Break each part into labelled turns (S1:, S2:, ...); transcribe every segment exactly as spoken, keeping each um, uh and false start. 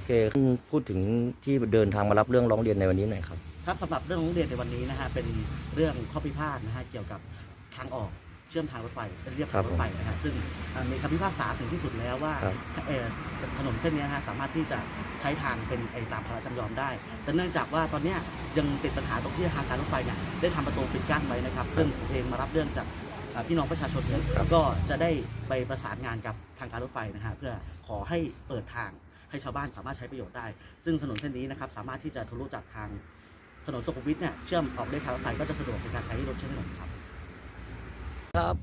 S1: เคพูดถึงที่เดินทางมารับเรื่องร้องเรียนในวันนี้หน่อยครับ
S2: ครับสำหรับเรื่องร้องเรียนในวันนี้นะฮะเป็นเรื่องข้อพิพาทนะฮะเกี่ยวกับทางออกเชื่อมทางรถไฟเรียบทางรถไฟนะฮะซึ่งมีคำพิพากษาถึงที่สุดแล้วว่าถนนเส้นนี้ฮะสามารถที่จะใช้ทางเป็นไอตามพระราชจำยอมได้แต่เนื่องจากว่าตอนนี้ยังติดปัญหาตรงที่ทางการรถไฟเนี่ยได้ทำประตูปิดกั้นไว้นะครับซึ่งผมเองมารับเรื่องจากพี่น้องประชาชนเนี่ยก็จะได้ไปประสานงานกับทางการรถไฟนะฮะเพื่อขอให้เปิดทางให้ชาวบ้านสามารถใช้ประโยชน์ได้ซึ่งถนนเส้นนี้นะครับสามารถที่จะทะลุจากทางถนนสุขุมวิทเนี่ยเชื่อมออกได้ทางรถไฟก็จะสะดวกในการใช้รถใช้ถนนครับ
S1: ครับ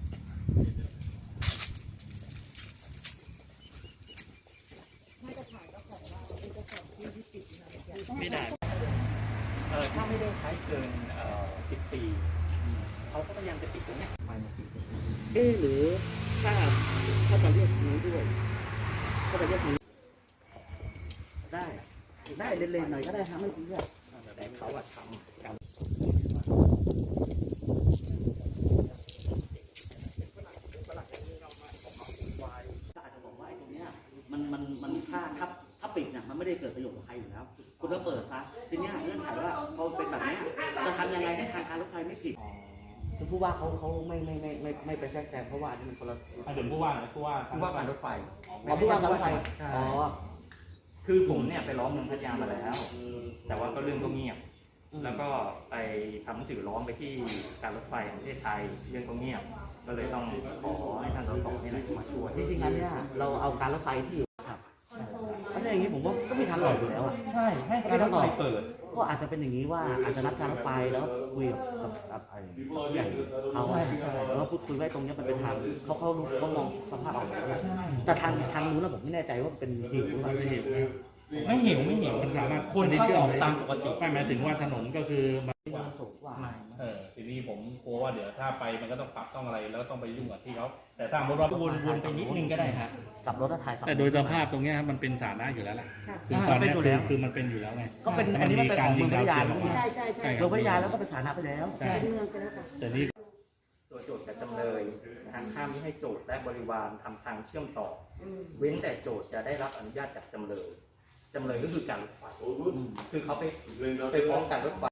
S3: ไม่ได้เออถ้าไม่ได้ใช้เกินเอ่อสิบปีเขาก็พยายามจะปิดตรงนี้ไปมาปิด
S2: เออหรือถ้าถ้าจะเรียกนี้ด้วยถ้าจะเรียกนี้ได้ได้เล่นๆหน่อยก็ได้ครับไม่ซีเรียส
S3: แต่เขาอะทำกัน
S2: อาจจะบอกว่าไอ้ตรงเนี้ยมันมันมันถ้าถ้าถ้าปิดเนี่ยมันไม่ได้เกิดประโยชน์กับใครอยู่แล้วคุณก็เปิดซะทีนี้เงื่อนไขว่าพอเป็นแบบนี้จะทำยังไงให้ทางการรถไฟไม่ผิดคือผู้ว่าเขาเขาไม่ไม่ไม่ไม่ไม่ไปแทรกแซงเพราะว่านี่มันคนละ
S3: เดี๋ยวผู้ว่าผู้ว่า
S2: ผู้ว่าการรถไฟอ๋อผู้ว่าการรถไฟอ๋อ
S3: คือผมเนี่ยไปร้องเมืองพัทยามาแล้วแต่ว่าก็เรื่องก็เงียบแล้วก็ไปทำหนังสือร้องไปที่การรถไฟแห่งประเทศไทยเรื่องก็เงียบก็เลยต้องขอให้ท่านสสนี่แหละมาช่วย
S2: จริงๆแล้วเนี่ยเราเอาการรถไฟที่อยู่ครับเพราะอย่างนี้ผมว่าก็มีทางออกอยู่แล้วอ่ะ
S3: ใช่ให้การรถไฟเปิด
S2: ก็อาจจะเป็นอย่างนี้ว่าอาจจะนัดการรถไฟแล้วคุยกับกับไอ้ใหญ่เขาแล้วพูดคุยไว้ตรงนี้มันเป็นทางเขาเขาเขามองสภาพออกแต่ทางทางนู้นนะผมไม่แน่ใจว่าเป็นหิวหรือเปล่าไม่หิว
S3: ไม่หิวไม่หิวมันสามารถคนเข้าออกตามปกติ
S4: ไม่หมายถึงว่าถนนก็คือ
S2: สูงกว่า
S4: เออทีนี้ผมกลัวว่าเดี๋ยวถ้าไปมันก็ต้องปรับต้องอะไรแล้วต้องไปยุ่งกับที่เขาแต่ถ้าสมมติว่า
S3: วนวนไปนิดนึงก็ได้ฮะ
S2: กลับรถถ่าย
S4: แต่โดยสภาพตรงนี้มันเป็นสาธารณะอยู่แล้วแหละคือตอนนี้คือคือมันเป็นอยู่แล้วไง
S2: ก็เป็นอันนี้มันเป็นของเมืองพัทยา
S4: แล้ว
S2: ใช่ใช่ใช่เมืองพัทยาแล้วก็เป็นสาธารณะไปแล้วใช่เมืองไปแล้วค่ะ
S4: แต่นี่
S3: ตัวโจทย์กับจำเลยทางห้ามไม่ให้โจทย์และบริวารทำทางเชื่อมต่อเว้นแต่โจทย์จะได้รับอนุญาตจากจำเลยจำเลยก็คือการรถไฟคือเขาไปไปฟ้องการรถไฟ